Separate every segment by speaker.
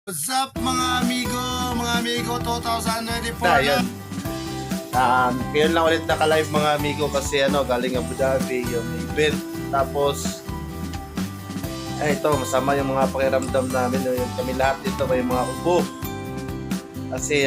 Speaker 1: What's up mga amigo 2024
Speaker 2: Na, yun. Ngayon lang ulit naka-live mga amigo kasi galing Abu Dhabi yung event. Tapos, ito, masama yung mga pakiramdam namin. Yung kami lahat dito may mga ubo. Kasi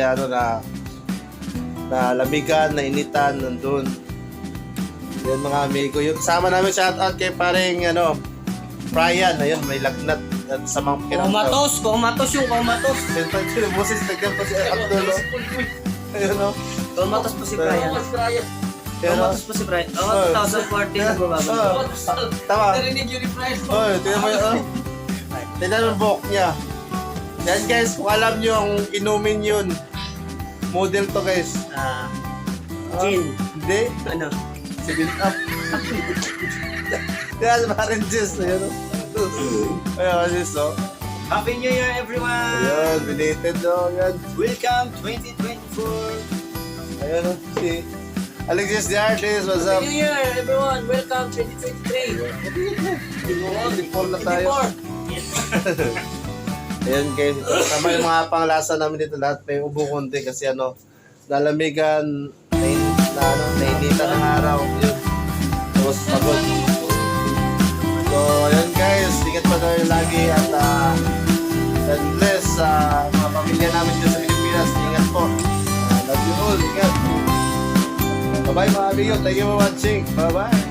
Speaker 2: na lamigan, na initan, nandun. Yun mga amigo. Yung kasama namin shoutout kay paring Brian. Ayun, may lagnat at sa mga pakiramdam.
Speaker 3: Kumatos yung kumatos.
Speaker 2: Sentang sila, boses nagdan pa si Abdul. Ayun o.
Speaker 3: Kumatos pa si Brian. Kumatos pa si Brian. 2014 na bumaba.
Speaker 2: Tama.
Speaker 3: Narinig yun ni Brian.
Speaker 2: Tingnan mo yun. Tingnan mo yung buhok niya. Yan guys, kung alam nyo ang inumin yun, model to guys.
Speaker 3: Gin.
Speaker 2: Hindi.
Speaker 3: Ano?
Speaker 2: 7 up. Yan, parang juice. Ayun o. Ayun, juice o.
Speaker 3: Happy New Year everyone!
Speaker 2: Ayun, belated o. Yan.
Speaker 3: Welcome 2024!
Speaker 2: Ayun o. Si Alexis the Artist, what's up?
Speaker 3: Happy New Year everyone! Welcome 2023!
Speaker 2: Before na tayo. Ayan guys, tama yung mga panglasa namin dito lahat may ubo konti kasi nalamigan, nainitan ng araw, yun. Tapos pagod. So, ayan guys, ingat pa tayo lagi at God bless sa mga pamilya namin dito sa Pilipinas. Ingat po. Love you all, ingat. Bye-bye mga amigo, thank you for watching. Bye-bye.